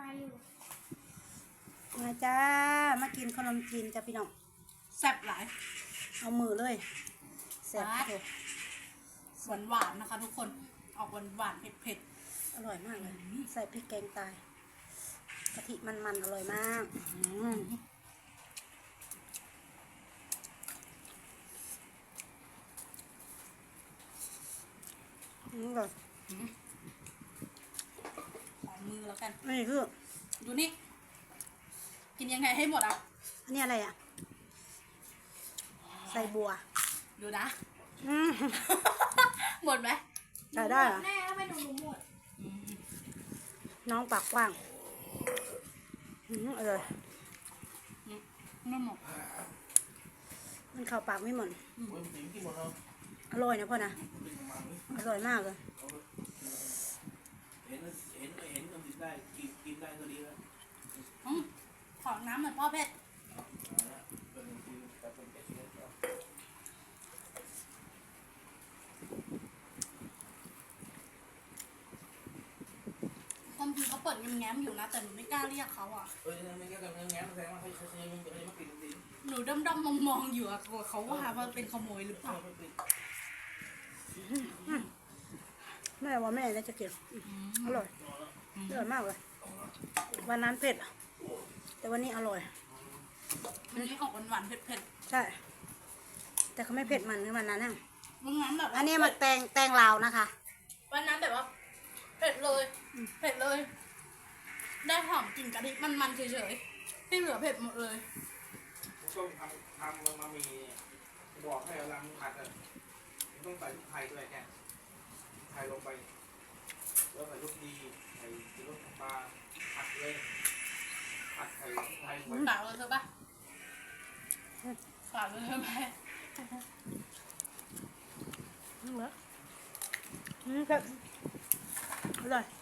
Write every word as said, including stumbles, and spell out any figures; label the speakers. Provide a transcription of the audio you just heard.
Speaker 1: อยู่
Speaker 2: มาจ้ามากินขนมจีนจ้าพี่น้อง
Speaker 3: แซ่บหลาย
Speaker 2: เอามือเลยแซ่บเลย
Speaker 3: หวานหวานนะคะทุกคนออกหวานหวานเผ็ดเผ็ด
Speaker 2: อร่อยมากเลยใส่พริกแกงตายกะทิมันๆอร่อยมากนี่ก่อน
Speaker 3: ขอมือแล้วกัน
Speaker 2: นี่คือ
Speaker 3: ดูนี่กินยังไงให้หมดอ่ะ
Speaker 2: อันนี้อะไรอ่ะใส่บัว
Speaker 3: ดูนะหมดไหม
Speaker 2: ใส่ได้เหรอ
Speaker 1: แม่ก็ไม่ดูหมด
Speaker 2: น้องปากกว้างอืมอร่อย
Speaker 3: ไม่หมด
Speaker 2: มันเข้าปากไม่หมดอร่อยนะพ่อนะอร่อยมากเลย
Speaker 4: เห็นเห็นเห็นมันกินได้กินกินได้ก็ดีแล้ว
Speaker 3: ขอน้ำหน่อยพ่อเพชรความจริงเขาเปิดแง้มๆอยู่นะแต่หนูไม่กล้าเรียกเขาอ่ะ
Speaker 4: เออไม่แง้มแง้มแสดงว่าเขาเขายังยังไม่ปิดจริง
Speaker 3: หนูด้อมๆมองๆอยู่อะกลัวเขาว่าว่าเป็นขโมยหรือเปล่า
Speaker 2: แม่ว่าแม่น่าจะเก็บอร่อยอร่อยมากเลยวันนั้นเผ็ดแต่วันนี้อร่อย
Speaker 3: วันนี้ออกหวานๆเผ็ด
Speaker 2: ๆใช่แต่เขาไม่เผ็ดมันในวันนั้นน่ะ
Speaker 3: วันนั้นแบบ
Speaker 2: อันนี้มันแตงแตงลาวนะคะ
Speaker 3: วันนั้นแบบว่าเผ็ดเลยเผ็ดเลยได้หอมกลิ่นกะทิมันๆเฉยๆที่เหลือเผ็ดหมดเลย
Speaker 4: ต้องทำทำมันมามีบอกให้เราผัดอ่ะต้องใส่ลูกไข่ด้วยแกไข่ลงไปแล้วใส่ลูกดีใส่ลูกปลาผัดเลยผัดไข่ไข่ไว้
Speaker 3: ฝากเลยใช่ปะฝากเลยใช่ไหม
Speaker 2: นี่เหรอนี่ครับอร่อย